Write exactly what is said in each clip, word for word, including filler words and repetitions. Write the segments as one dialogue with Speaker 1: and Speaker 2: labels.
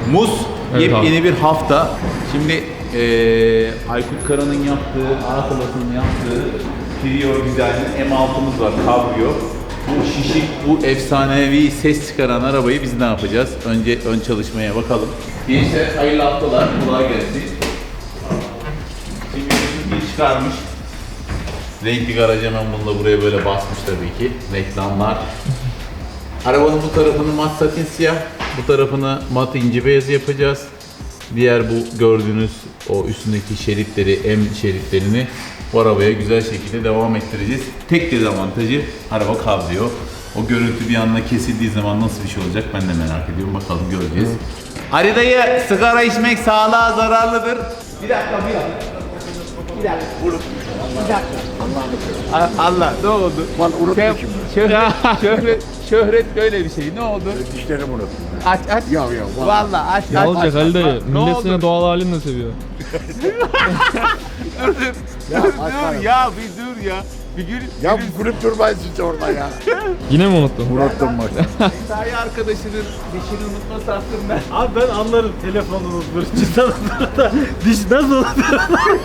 Speaker 1: Muz,
Speaker 2: Evet
Speaker 1: yepyeni
Speaker 2: abi.
Speaker 1: bir hafta. Şimdi ee, Aykut Kara'nın yaptığı, Arkalas'ın yaptığı Trio Design M altımız var, Cabrio. Bu şişik, bu efsanevi ses çıkaran arabayı biz ne yapacağız? Önce ön çalışmaya bakalım. Gençler hayırlı haftalar, kolay gelsin. Şimdi bir çıkarmış. Renkli garaj hemen bunu da buraya böyle basmış tabii ki. Reklamlar. Arabanın bu tarafını mat satin siyah, bu tarafını mat inci beyaz yapacağız. Diğer bu gördüğünüz o üstündeki şeritleri, M şeritlerini bu arabaya güzel şekilde devam ettireceğiz. Tek dezavantajı araba kavrıyor. O görüntü bir anda kesildiği zaman nasıl bir şey olacak ben de merak ediyorum. Bakalım göreceğiz. Ali dayı, sigara içmek sağlığa zararlıdır. Bir dakika, bir dakika. Bir dakika. Bir dakika. Allah, Allah ne oldu?
Speaker 3: Lan unutmuşum.
Speaker 1: Şöhret, şöhret, şöhret böyle bir şey. Ne oldu?
Speaker 3: Dişlerimi unuttum.
Speaker 1: Aç aç.
Speaker 3: Ya ya vallahi.
Speaker 1: Vallahi aç
Speaker 2: Ne
Speaker 1: aç.
Speaker 2: olacak
Speaker 1: aç,
Speaker 2: Ali dayı?
Speaker 1: aç. Ne
Speaker 2: Millet
Speaker 1: oldu?
Speaker 2: seni doğal halinle seviyor.
Speaker 1: Dur dur.
Speaker 3: Ya,
Speaker 1: dur,
Speaker 3: aç
Speaker 1: dur
Speaker 3: bana.
Speaker 1: ya bir dur ya. Bir gün
Speaker 3: Ya gülüp durmayın siz orada ya.
Speaker 2: Yine mi unuttun?
Speaker 3: Unuttum bak.
Speaker 1: mesai arkadaşının dişini unutması hakkında.
Speaker 4: Abi ben anlarım telefonu unutmuş, cidden da diş nasıl unutur?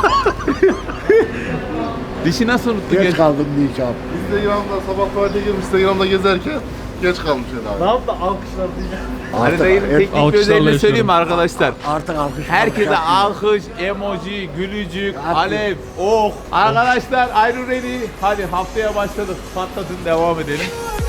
Speaker 1: Dişi nasıl unuttu?
Speaker 3: Geç
Speaker 1: Geç.
Speaker 3: kaldım diyeceğim.
Speaker 5: Instagram'da sabah tuvalete girmiş, Instagram'da gezerken geç kalmış herhalde.
Speaker 4: Ne yaptı alkışlar diye.
Speaker 1: Ali
Speaker 3: Artık,
Speaker 1: dayının
Speaker 3: hep-
Speaker 1: teknik bir
Speaker 2: alkışlarla
Speaker 1: özelliğini söyleyeyim mi
Speaker 2: yaşıyorum.
Speaker 1: arkadaşlar?
Speaker 3: artık alkış.
Speaker 1: Herkese
Speaker 3: alkış
Speaker 1: alkış, emoji, gülücük,
Speaker 3: Artık-
Speaker 1: alev, oh. Arkadaşlar ayrı ready. Hadi haftaya başladık. Patlatın devam edelim.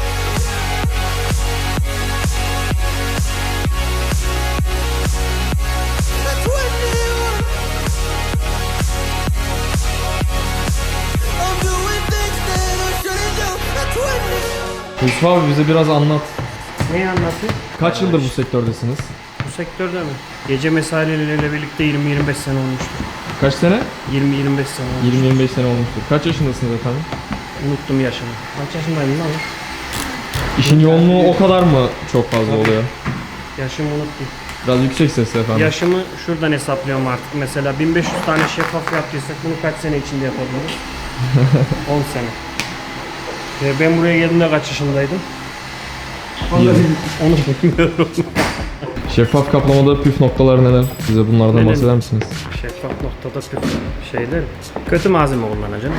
Speaker 2: Yusuf abi bize biraz anlat.
Speaker 4: Neyi anlatayım?
Speaker 2: Kaç yıldır bu sektördesiniz?
Speaker 4: Bu sektörde mi? Gece mesaileriyle birlikte yirmi yirmi beş sene olmuştur.
Speaker 2: Kaç sene?
Speaker 4: yirmi yirmi beş sene olmuş.
Speaker 2: yirmi yirmi beş sene olmuştur. Kaç yaşındasınız efendim?
Speaker 4: Unuttum yaşımı. Kaç yaşındayım lan?
Speaker 2: İşin yoğunluğu o kadar mı çok fazla oluyor?
Speaker 4: Yaşımı unuttum.
Speaker 2: Biraz yüksek sesle efendim.
Speaker 4: Yaşımı şuradan hesaplıyorum artık. Mesela bin beş yüz tane şeffaf yaptıysak bunu kaç sene içinde yapabiliriz? on sene. Ve ben buraya geldiğimde kaç yaşındaydım? Onu bilmiyorum.
Speaker 2: Şeffaf kaplamada püf noktaları neler? Bize bunlardan
Speaker 4: Neler?
Speaker 2: bahseder misiniz?
Speaker 4: Şeffaf noktada püf şeyler. Kötü malzeme kullanacaksın.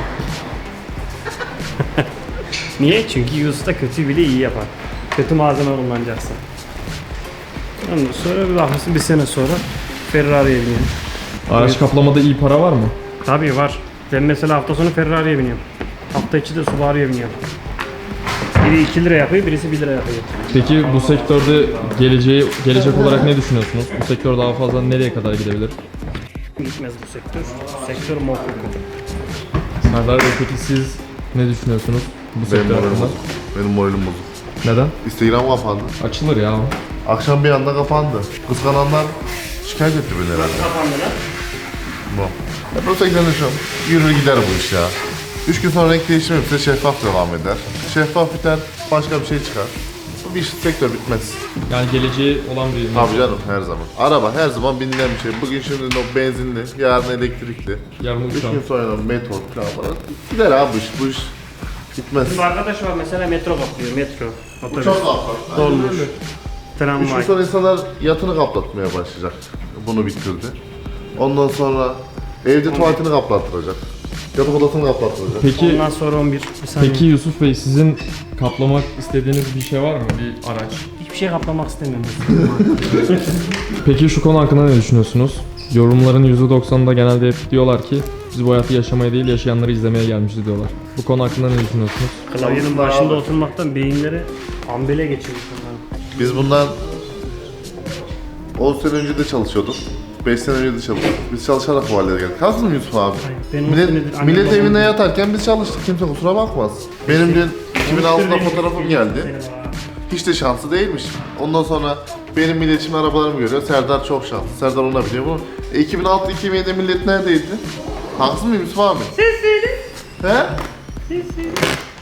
Speaker 4: Niye? Çünkü usta kötü bile iyi yapar. Kötü malzeme kullanacaksın. Ondan sonra bir bakmışsın bir sene sonra Ferrari'ye biniyorum.
Speaker 2: Araç kaplamada iyi para var mı?
Speaker 4: Tabii var. Ben mesela hafta sonu Ferrari'ye biniyorum. Hafta içi de Subaru'ya biniyorum. Biri iki lira yapıyor, birisi bir lira yapıyor.
Speaker 2: Peki bu sektörde geleceği gelecek olarak ne düşünüyorsunuz? Bu sektör daha fazla nereye kadar gidebilir?
Speaker 4: Gitmez bu sektör. Sektör muhakkak.
Speaker 2: Serdar Bey peki siz ne düşünüyorsunuz bu
Speaker 5: Benim
Speaker 2: sektör
Speaker 5: moralim
Speaker 2: hakkında?
Speaker 5: bozuk. Benim moralim bozuk.
Speaker 2: Neden?
Speaker 5: Instagram kapandı.
Speaker 2: Açılır ya.
Speaker 5: Akşam bir anda kapandı. Kıskananlar şikayet etti beni herhalde.
Speaker 4: Kapandı lan.
Speaker 5: Bu. Hep o sektörde şu an. Yürür gider bu iş ya. Üç gün sonra renk değişimi yapsa şeffaf devam eder. Şeffaf biter, başka bir şey çıkar. Bu bir iş, sektör bitmez.
Speaker 2: Yani geleceği olan bir...
Speaker 5: Tabii canım her zaman. Araba her zaman binilen bir şey. Bugün şimdi o benzinli, yarın elektrikli.
Speaker 2: Yarın
Speaker 5: Üç
Speaker 2: uçağın.
Speaker 5: gün sonra meteor falan falan. Gider abi bu iş, bu iş bitmez.
Speaker 4: Bir arkadaş var mesela metro kaplıyor, metro. Otobüs,
Speaker 5: Çok kaplar.
Speaker 4: dolmuş,
Speaker 5: Üç gün
Speaker 4: tramvay.
Speaker 5: sonra insanlar yatını kaplatmaya başlayacak. Bunu bitirdi. Ondan sonra evde tuvaletini kaplattıracak. Yatak odasını kaplattıracak.
Speaker 2: Peki,
Speaker 4: Ondan sonra on bir. Bir saniye.
Speaker 2: peki Yusuf Bey sizin kaplamak istediğiniz bir şey var mı? Bir araç.
Speaker 4: Hiçbir şey kaplamak istemiyorum.
Speaker 2: Peki şu konu hakkında ne düşünüyorsunuz? Yorumların yüzde doksanında genelde hep diyorlar ki biz bu hayatı yaşamaya değil yaşayanları izlemeye gelmişiz diyorlar. Bu konu hakkında ne düşünüyorsunuz?
Speaker 4: Klavyenin başında oturmaktan beyinleri ambele geçirmiş onların.
Speaker 5: Biz bundan on sene önce de çalışıyorduk. beş sene önce de çalışıyorduk. Biz çalışarak bu hallere geldik. Haksız mı Yusuf abi?
Speaker 4: ben on
Speaker 5: millet
Speaker 4: senedir annem
Speaker 5: millet
Speaker 4: babam-
Speaker 5: evinde yatarken biz çalıştık. Kimse kusura bakmaz. Benim dün iki bin altıda fotoğrafım geldi. Hiç de şanslı değilmiş. Ondan sonra benim milletim arabalarımı görüyor. Serdar çok şanslı. Serdar ona biliyor bunu. E, iki bin altı iki bin yedide millet neredeydi? Haksız mıyım Yusuf abi? Siz söyle. He? Siz söyle.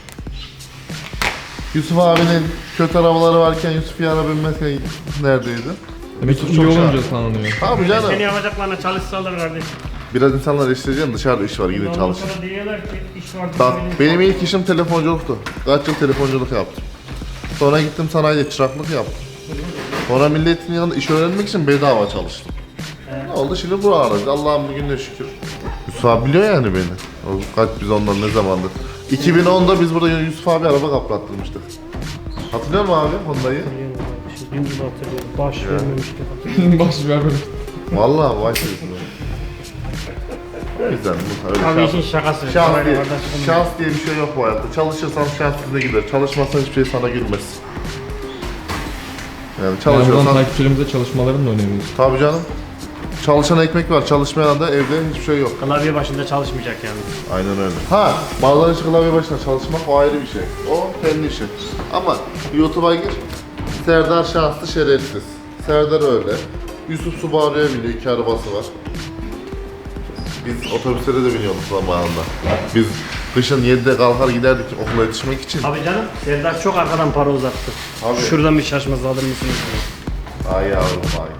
Speaker 5: Yusuf abinin kötü arabaları varken Yusuf Yar'a binmezken neredeydi?
Speaker 2: Demek ki
Speaker 5: Yusuf
Speaker 2: iyi
Speaker 5: çok
Speaker 2: olunca
Speaker 5: şanslı.
Speaker 2: tanınıyor.
Speaker 5: Abi canım.
Speaker 4: Seni yapacaklarına çalışsalar kardeşim.
Speaker 5: Biraz insanlar işleyeceğim dışarıda iş var gidin
Speaker 4: Ondan
Speaker 5: çalışın.
Speaker 4: sonra diyorlar ki iş var.
Speaker 5: Bak
Speaker 4: bizim
Speaker 5: benim ilk işim telefonculuktu. Kaç yıl telefonculuk yaptım. Sonra gittim sanayide çıraklık yaptım. Sonra milletin yanında iş öğrenmek için bedava çalıştım. Ne oldu şimdi buralarda? Allah'ım bugün de şükür. Yusuf abi biliyor yani beni. O kaç biz ondan ne zamandır. iki bin onda biz burada Yusuf abi araba kaplattırmıştık. Hatırlıyor musun abi Honda'yı?
Speaker 4: Şimdi gibi hatırlıyorum. Baş vermemişti.
Speaker 2: Baş vermemiş.
Speaker 5: Vallahi vay diyorsun. O yüzden bu öyle
Speaker 4: Abi
Speaker 5: şans-
Speaker 4: işin şakası.
Speaker 5: Şans
Speaker 4: Kamerayı
Speaker 5: diye,
Speaker 4: orada çıkın.
Speaker 5: şans diye bir şey yok bu hayatta. Çalışırsan şans size gider. Çalışmazsan hiçbir şey sana gülmez. Yani
Speaker 2: Yani buradan
Speaker 5: çalışıyorsan...
Speaker 2: takipçilerimize çalışmalarını da öneriyoruz.
Speaker 5: Tabii canım. Çalışan ekmek var, çalışmayan da evde hiçbir şey yok.
Speaker 4: Klavye başında çalışmayacak yani.
Speaker 5: Aynen öyle. Ha, bazıları için klavye başına çalışmak o ayrı bir şey. O kendi işi. Ama YouTube'a gir, Serdar şanslı şerefsiz. Serdar öyle. Yusuf Subaru'ya biniyor, iki arabası var. Biz otobüslere de biniyorduk zamanında. Biz kışın yedide kalkar giderdik okula yetişmek için.
Speaker 4: Abi canım, Serdar çok arkadan para uzattı.
Speaker 5: Abi.
Speaker 4: Şuradan bir şaşmaz alır mısınız?
Speaker 5: Ay yavrum ay.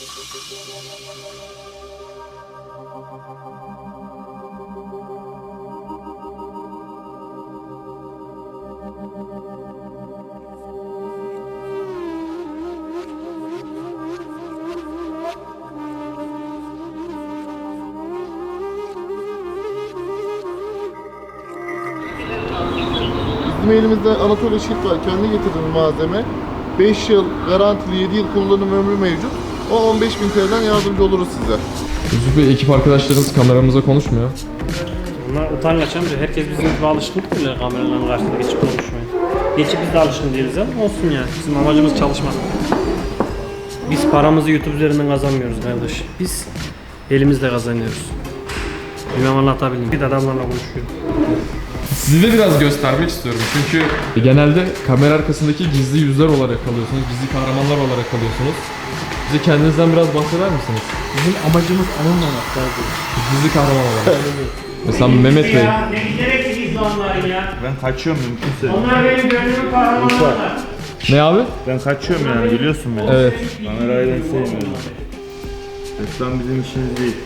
Speaker 5: Bizim elimizde Anatolia Şit var. Kendi getirdiğimiz malzeme. beş yıl garantili, yedi yıl kullanım ömrü mevcut. O on beş bin T L'den yardımcı oluruz size.
Speaker 2: Yusuf Bey, ekip arkadaşlarınız kameramıza konuşmuyor.
Speaker 4: Onlar utangaç amca. Herkes bizim gibi alışkın değil mi kameraların karşısında geçip konuşmaya. Geçip biz de alışkın değiliz ama olsun yani. Bizim amacımız çalışmak. Biz paramızı YouTube üzerinden kazanmıyoruz kardeş. Biz elimizle kazanıyoruz. Bilmem anlatabildim. Bir de adamlarla konuşuyorum.
Speaker 2: Sizi de biraz göstermek istiyorum çünkü genelde kamera arkasındaki gizli yüzler olarak kalıyorsunuz, gizli kahramanlar olarak kalıyorsunuz. Bize kendinizden biraz bahseder misiniz?
Speaker 4: Bizim amacımız anılmamak kardeş.
Speaker 2: Gizli kahraman olarak. Mesela Mehmet Bey.
Speaker 4: Ya, ne gerekli gizli onların ya?
Speaker 6: Ben kaçıyorum mümkünse.
Speaker 4: Onlar benim gönlümün kahramanlarılar.
Speaker 2: Ne abi?
Speaker 6: Ben kaçıyorum yani biliyorsun beni.
Speaker 2: Evet.
Speaker 6: Kamerayı ben sevmiyorum. Reklam bizim işimiz değil.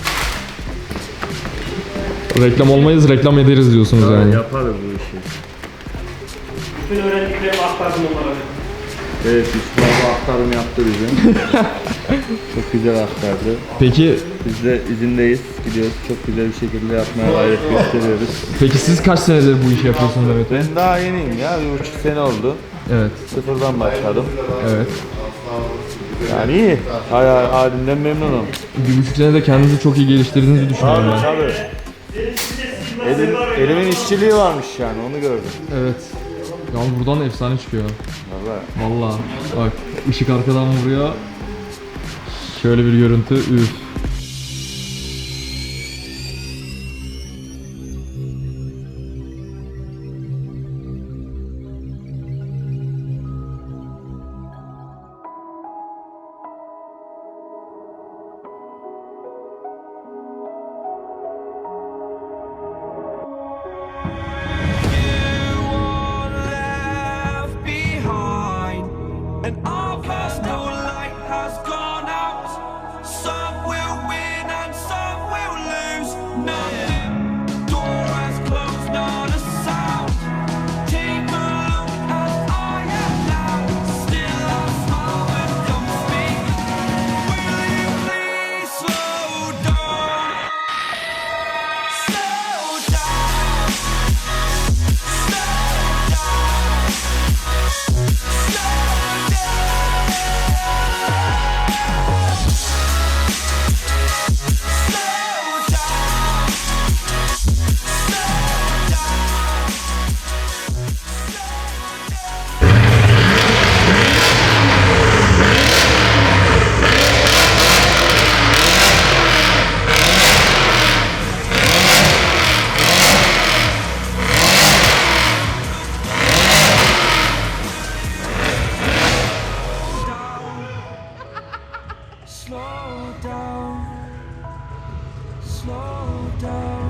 Speaker 2: Reklam olmayız, reklam ederiz diyorsunuz yani.
Speaker 6: Yaparız bu işi.
Speaker 4: Bütün öğrendiklerimi aktardım onlara.
Speaker 6: Evet, Yusuf abi aktarım yaptı bize. Çok güzel aktardı.
Speaker 2: Peki,
Speaker 6: Biz de izindeyiz, gidiyoruz. Çok güzel bir şekilde yapmaya gayret gösteriyoruz.
Speaker 2: peki siz kaç senedir bu işi yapıyorsunuz Mehmet Bey?
Speaker 6: Ben daha yeniyim ya, bir buçuk sene oldu.
Speaker 2: Evet,
Speaker 6: Sıfırdan başladım.
Speaker 2: evet.
Speaker 6: Yani iyi, hala halimden memnunum.
Speaker 2: Bir buçuk senede kendinizi çok iyi geliştirdiğinizi düşünüyorum ben.
Speaker 6: Tabii. Elim, elimin işçiliği varmış yani, onu gördüm.
Speaker 2: Evet. Ya buradan efsane çıkıyor.
Speaker 6: Vallahi.
Speaker 2: Vallahi. Bak, ışık arkadan vuruyor. Şöyle bir görüntü, üf.
Speaker 7: And our personal light has gone out. Some will win and some will lose. Nothing. Door has closed, not a sound. Take a look as I am now. Still I smile and don't speak. Will you please slow down? Slow down. Slow down. Slow Slow down, slow down,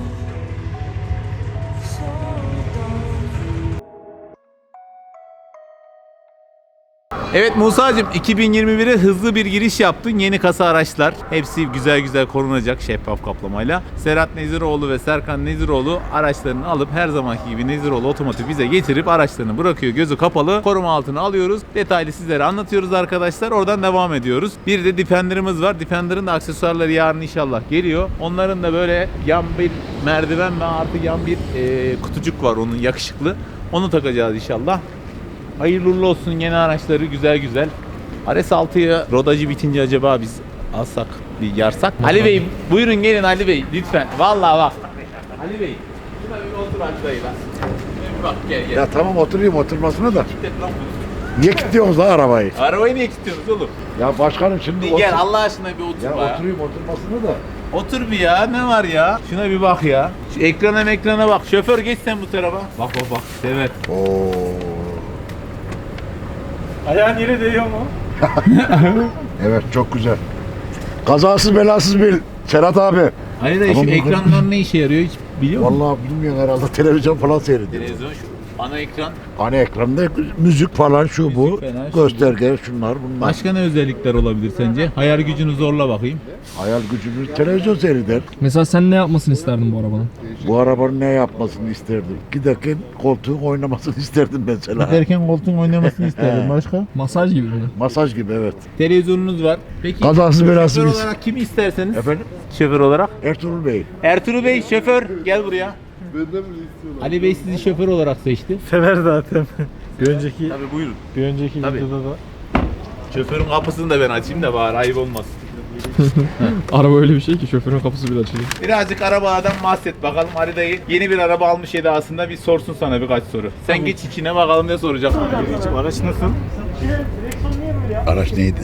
Speaker 7: slow down.
Speaker 1: Evet Musa'cığım iki bin yirmi bire hızlı bir giriş yaptın. Yeni kasa araçlar. Hepsi güzel güzel korunacak şeffaf kaplamayla. Serhat Neziroğlu ve Serkan Neziroğlu araçlarını alıp her zamanki gibi Neziroğlu Otomotiv bize getirip araçlarını bırakıyor. Gözü kapalı. Koruma altına alıyoruz. Detaylı sizlere anlatıyoruz arkadaşlar. Oradan devam ediyoruz. Bir de Defender'ımız var. Defender'ın da aksesuarları yarın inşallah geliyor. Onların da böyle yan bir merdiven ve artı yan bir e, kutucuk var onun yakışıklı. Onu takacağız inşallah. Hayırlı uğurlu olsun yeni araçları güzel güzel. R S altıya rodajı bitince acaba biz alsak bir yarsak mı? Ali Bey buyurun gelin Ali Bey lütfen. Vallahi bak. Ali Bey şuna bir otur Hacı dayı lan. Bir bak gel gel.
Speaker 3: Ya tamam oturayım oturmasına da.
Speaker 1: Git lan bunu.
Speaker 3: Niye kilitliyorsunuz lan arabayı?
Speaker 1: Arabayı niye kilitliyorsunuz oğlum?
Speaker 3: Ya başkanım şimdi
Speaker 1: Bir
Speaker 3: otur.
Speaker 1: gel Allah aşkına bir otur
Speaker 3: Ya
Speaker 1: ya.
Speaker 3: oturayım oturmasına da.
Speaker 1: Otur bir ya ne var ya? Şuna bir bak ya. Şu ekrana ekrana bak. Şoför geç sen bu tarafa. Bak bak bak. Evet.
Speaker 3: Oo.
Speaker 4: Ayağın yere değiyor mu?
Speaker 3: Evet çok güzel. Kazasız belasız bil Serhat abi.
Speaker 1: Ali dayı şu
Speaker 3: Tamam, bakalım.
Speaker 1: ekranlar ne işe yarıyor hiç biliyor musun?
Speaker 3: Vallahi bilmiyorum herhalde televizyon falan seyrediyor.
Speaker 1: Televizyon şu ana ekran.
Speaker 3: Hani ekranda müzik falan şu bu.
Speaker 1: falan, şu
Speaker 3: Gösterge şunlar bunlar.
Speaker 1: Başka ne özellikler olabilir sence? Hayal gücünü zorla bakayım.
Speaker 3: Hayal gücümüz televizyon seyreder.
Speaker 2: Mesela sen ne yapmasını isterdin bu arabanın?
Speaker 3: Bu arabanın ne yapmasını isterdim? Giderken koltuğun oynamasını isterdim mesela.
Speaker 1: Giderken koltuğun oynamasını isterdim.
Speaker 3: He.
Speaker 1: Başka?
Speaker 2: Masaj gibi mi?
Speaker 3: Masaj gibi evet.
Speaker 1: Televizyonunuz var. Peki
Speaker 3: Kazasız belasız
Speaker 1: şoför
Speaker 3: biz.
Speaker 1: olarak kimi isterseniz?
Speaker 3: Efendim?
Speaker 1: Şoför olarak.
Speaker 3: Ertuğrul Bey.
Speaker 1: Ertuğrul Bey şoför gel buraya. Ali Bey sizi şoför olarak seçti.
Speaker 4: Sever zaten. Bir önceki
Speaker 1: Tabii buyurun.
Speaker 4: bir önceki
Speaker 1: Tabii.
Speaker 4: videoda da
Speaker 1: Şoförün kapısını da ben açayım da bari ayıp olmasın.
Speaker 2: Araba öyle bir şey ki şoförün kapısı bile açılıyor.
Speaker 1: Birazcık arabalardan bahset bakalım Ali dayı. Yeni bir araba almış edasında bir sorsun sana birkaç soru. Sen geç içine bakalım ne soracak.
Speaker 4: araç nasıl?
Speaker 3: Araç neydi?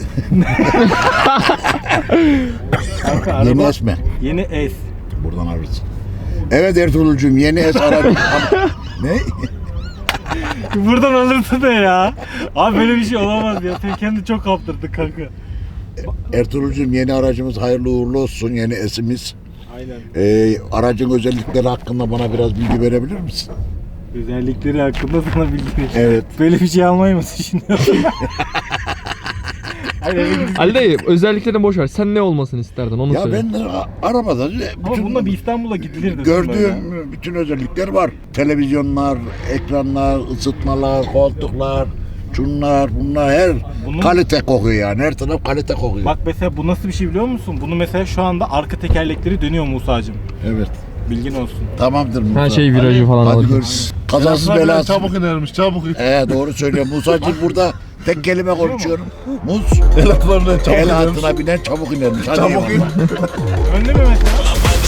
Speaker 4: Kanka
Speaker 3: Yeni
Speaker 4: araba
Speaker 3: S mi?
Speaker 4: yeni S.
Speaker 3: Buradan ararız. Evet Ertuğrul'cum yeni S aracı. Ne?
Speaker 4: Buradan alırsın da ya. Abi böyle bir şey olamaz ya. Sen kendini çok kaptırdın kanka.
Speaker 3: Ertuğrul'cum yeni aracımız hayırlı uğurlu olsun yeni S'imiz.
Speaker 4: Aynen.
Speaker 3: Ee, aracın özellikleri hakkında bana biraz bilgi verebilir misin?
Speaker 4: Özellikleri hakkında sana bilgi ver.
Speaker 3: Evet.
Speaker 4: Böyle bir şey almayı mı düşünüyorsun? Aynen.
Speaker 2: Ali dayı özelliklerini boş ver. Sen ne olmasını isterdin onu
Speaker 3: Ya
Speaker 2: söyle.
Speaker 3: ben a- arabada
Speaker 4: Ama
Speaker 3: bütün
Speaker 4: bununla bir İstanbul'a gidilirdi.
Speaker 3: gördüğüm bütün özellikler var. Televizyonlar, ekranlar, ısıtmalar, koltuklar, şunlar, bunlar her
Speaker 4: Bunun-
Speaker 3: kalite kokuyor yani. Her taraf kalite kokuyor.
Speaker 4: Bak mesela bu nasıl bir şey biliyor musun? Bunu mesela şu anda arka tekerlekleri dönüyor Musa'cığım.
Speaker 3: Evet.
Speaker 4: Bilgin olsun.
Speaker 3: Tamamdır Musa.
Speaker 2: Her şey virajı falan
Speaker 3: Hadi
Speaker 2: alır.
Speaker 3: görüşürüz. Kazasız belasız.
Speaker 5: Çabuk inermiş çabuk.
Speaker 3: Ee, doğru söylüyor. Musa'cığım burada tek kelime konuşuyorum. Muz.
Speaker 5: El atlarına çabuk
Speaker 3: El
Speaker 5: inermiş.
Speaker 3: altına binen çabuk inermiş. Hadi
Speaker 5: Çabuk
Speaker 3: eyvallah.
Speaker 5: in.
Speaker 4: Önde mi mesela?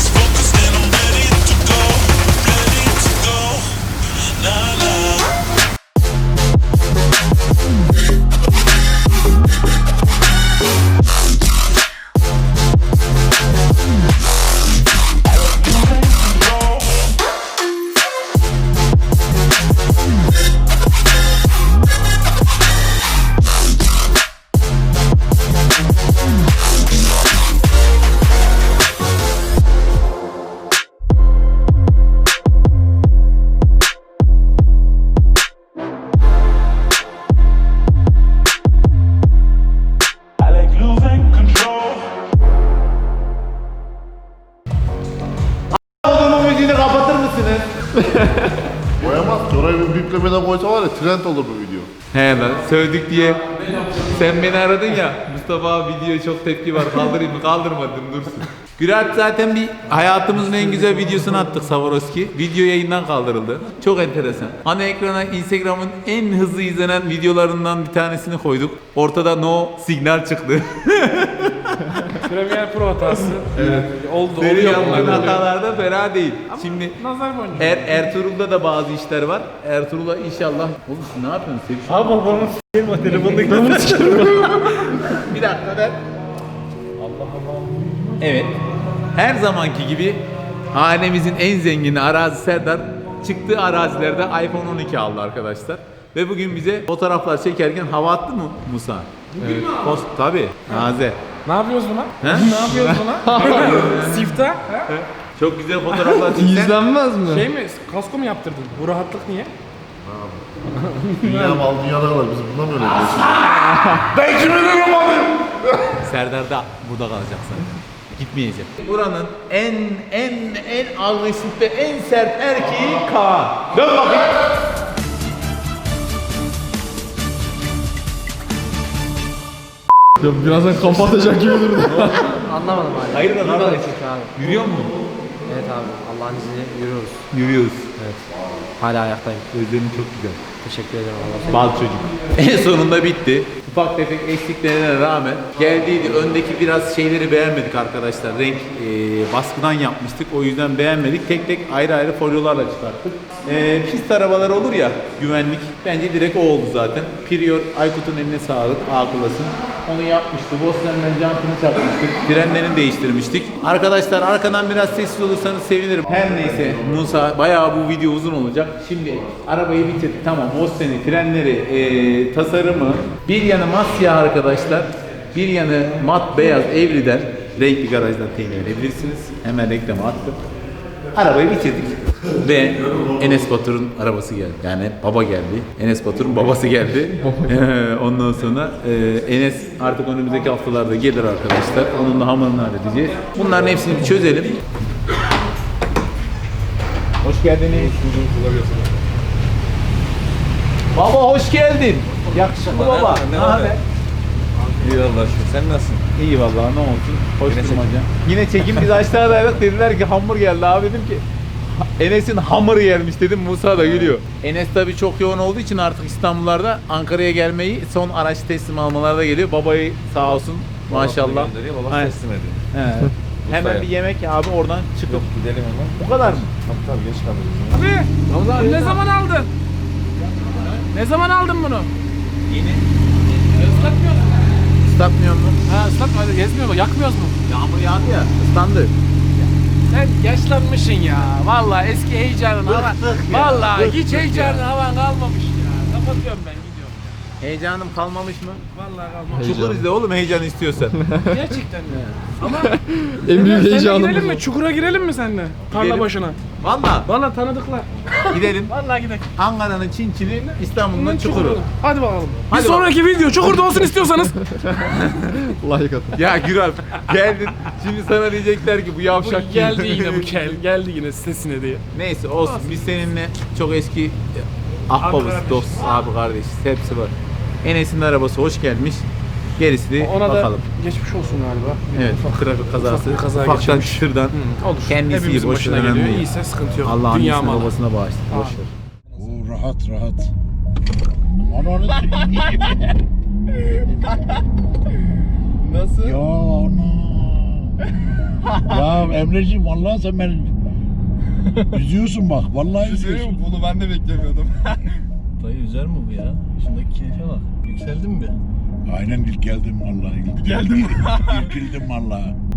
Speaker 1: Oğlumun müziğini kapatır mısınız?
Speaker 5: Koyamaz ki oraya bir biplemeden koysa var ya trend olur bu video.
Speaker 1: He lan sövdük diye. Sen beni aradın ya. Mustafa abi videoya çok tepki var. Kaldırayım mı? Kaldırmadım dursun. Gürat zaten bir hayatımızın en güzel videosunu attık Swarovski. Video yayından kaldırıldı. Çok enteresan. Ana ekrana Instagram'ın en hızlı izlenen videolarından bir tanesini koyduk. Ortada no signal çıktı.
Speaker 8: Premiere Pro hatası. Evet. Oldu.
Speaker 1: Senin
Speaker 8: Oluyor
Speaker 1: yaptığın
Speaker 8: bunlar.
Speaker 1: hatalar da fena değil. Şimdi
Speaker 8: Nazar boncuğu.
Speaker 1: er, Ertuğrul'da da bazı işler var. Ertuğrul'a inşallah... Oğlum siz ne yapıyorsunuz? Sevişiyor
Speaker 4: Abi babamın s**eyim o telefonda
Speaker 1: Bir dakika ben. Allah Allah. Evet. Her zamanki gibi hanemizin en zengini Arazi Serdar çıktığı arazilerde iPhone on iki aldı arkadaşlar. Ve bugün bize fotoğraflar çekerken hava attı mı Musa? Evet. Post tabii. Naze.
Speaker 8: Ne yapıyoruz buna?
Speaker 1: He?
Speaker 8: Ne yapıyoruz buna? Sifta. Ha?
Speaker 1: Çok güzel fotoğraflar çekti.
Speaker 2: İzlenmez mi?
Speaker 8: Şey mi? Kasko mu yaptırdın? Bu rahatlık niye?
Speaker 5: Dünya mal dünyada kadar biz bundan mı öyle diyorsun?
Speaker 3: Ben kimi duramadım?
Speaker 1: Serdar da burada kalacak zaten. Gitmeyecek. Buranın en en en agresif ve en sert erkeği Kaan. Dön bakayım.
Speaker 2: Ya birazdan kamp atacak gibi durdu.
Speaker 9: Anlamadım abi.
Speaker 1: Hayırdır
Speaker 9: Yürüyoruz
Speaker 1: abi?
Speaker 9: çünkü abi.
Speaker 1: Yürüyor musun?
Speaker 9: Evet abi. Allah'ın izniyle yürüyoruz.
Speaker 1: Yürüyoruz.
Speaker 9: Hala ayaktayım.
Speaker 1: Gözlerin çok güzel.
Speaker 9: Teşekkür ederim Allah.
Speaker 1: Bal çocuk. En sonunda bitti. Ufak tefek eksiklerine rağmen geldiydi. Öndeki biraz şeyleri beğenmedik arkadaşlar. Renk e, baskıdan yapmıştık. O yüzden beğenmedik. Tek tek ayrı ayrı folyolarla çıkarttık. E, pist arabalar olur ya, güvenlik. Bence direkt o oldu zaten. Prior, Aykut'un eline sağlık. Akıllasın. Onu yapmıştı. Bosna'nın jantını çakmıştık. Frenlerini değiştirmiştik. Arkadaşlar arkadan biraz sessiz olursanız sevinirim. Her neyse Musa, bayağı bu video uzun olacak. Şimdi arabayı bitirdik. Tamam, Bosna'nın frenleri, e, tasarımı. Bir yanı masya arkadaşlar. Bir yanı mat beyaz Evri'den. Renkli garajdan temin edebilirsiniz. Hemen reklamı attım. Arabayı bitirdik. Ve Enes Batur'un arabası geldi. Yani baba geldi. Enes Batur'un babası geldi. Ondan sonra e, Enes artık önümüzdeki haftalarda gelir arkadaşlar. Onun da hamurunu halledeceğiz. Bunların hepsini bir çözelim. Hoş geldiniz. Baba hoş geldin. Yakışıklı baba. Ne haber?
Speaker 6: İyi Allah şükür. Sen nasılsın?
Speaker 1: İyi vallahi ne olsun. Hoş durmaca. Yine çekim biz aşağıdaydık, dediler ki hamur geldi abi, dedim ki Enes'in hamuru gelmiş dedim, Musa da gülüyor. Enes tabii çok yoğun olduğu için artık İstanbullarda Ankara'ya gelmeyi, son araç teslim almalarda geliyor. Babayı sağ olsun maşallah.
Speaker 6: Babası
Speaker 1: Aynen.
Speaker 6: teslim ediyor.
Speaker 1: He. Hemen bir yemek abi, oradan çıkıp
Speaker 6: Gidelim hemen.
Speaker 1: bu kadar mı?
Speaker 6: Tabii tabii geç kalırız.
Speaker 8: Abi ne zaman aldın? Ne zaman aldın bunu?
Speaker 1: Yeni.
Speaker 8: Islatmıyor musun?
Speaker 1: Islatmıyor mu?
Speaker 8: Ha ıslatma, gezmiyor mu? Yakmıyoruz mu?
Speaker 1: Yağmur yağdı ya, ıslandı.
Speaker 8: Sen yaşlanmışsın ya. Vallahi eski heyecanın hava. Vallahi hiç heyecanın havan kalmamış ya. Kapatıyorum ben, gidiyorum.
Speaker 1: Heyecanım kalmamış mı?
Speaker 8: Vallahi kalmamış.
Speaker 1: Çukur izle oğlum, heyecan istiyorsan.
Speaker 8: Gerçekten de. Ama
Speaker 2: En büyük
Speaker 8: seninle
Speaker 2: heyecanım
Speaker 8: girelim
Speaker 2: bu.
Speaker 8: mi? Çukura girelim mi seninle? Tarla
Speaker 1: Gidelim.
Speaker 8: başına.
Speaker 1: Valla
Speaker 8: Vallahi tanıdıklar.
Speaker 1: gidelim.
Speaker 8: Vallahi gidelim.
Speaker 1: Ankara'nın Çinçini, İstanbul'un
Speaker 8: Bunun
Speaker 1: Çukuru.
Speaker 8: Hadi bakalım.
Speaker 1: Hadi
Speaker 8: bir sonraki video Çukur'da olsun istiyorsanız.
Speaker 2: Like atın.
Speaker 1: Ya Güral geldin, şimdi sana diyecekler ki bu
Speaker 8: Bu
Speaker 1: yavşak
Speaker 8: geldi
Speaker 1: kim?
Speaker 8: yine bu kel. Geldi yine sitesine diye.
Speaker 1: Neyse olsun, biz seninle çok eski ahbabız,
Speaker 8: kardeş.
Speaker 1: dost, abi kardeş, hepsi var. Enes'in arabası hoş gelmiş. Gerisi de
Speaker 8: Ona
Speaker 1: bakalım.
Speaker 8: da geçmiş olsun galiba.
Speaker 1: Evet, trafik kazası.
Speaker 8: ufak bir kaza
Speaker 1: Ufaktan
Speaker 8: geçirmiş.
Speaker 1: çıtırdan.
Speaker 8: Olur.
Speaker 1: Kendisi
Speaker 8: Hepimizin
Speaker 1: boş
Speaker 8: başına
Speaker 1: ver,
Speaker 8: geliyor.
Speaker 1: önemli değil.
Speaker 8: İyiyse sıkıntı yok.
Speaker 1: Allah
Speaker 8: Dünya
Speaker 1: annesine
Speaker 8: malı.
Speaker 1: babasına bağışlasın. Boş ver.
Speaker 3: Oo, rahat rahat. Ananı
Speaker 1: Nasıl?
Speaker 3: Ya ana. Ya Emreciğim vallahi sen beni üzüyorsun bak. Vallahi üzüyorsun.
Speaker 6: Bunu ben de beklemiyordum.
Speaker 10: Dayı üzer mi bu ya? Şundaki keyfe bak. Yükseldin mi?
Speaker 3: Aynen ilk geldim vallahi. İlk geldim. İlk geldim vallahi.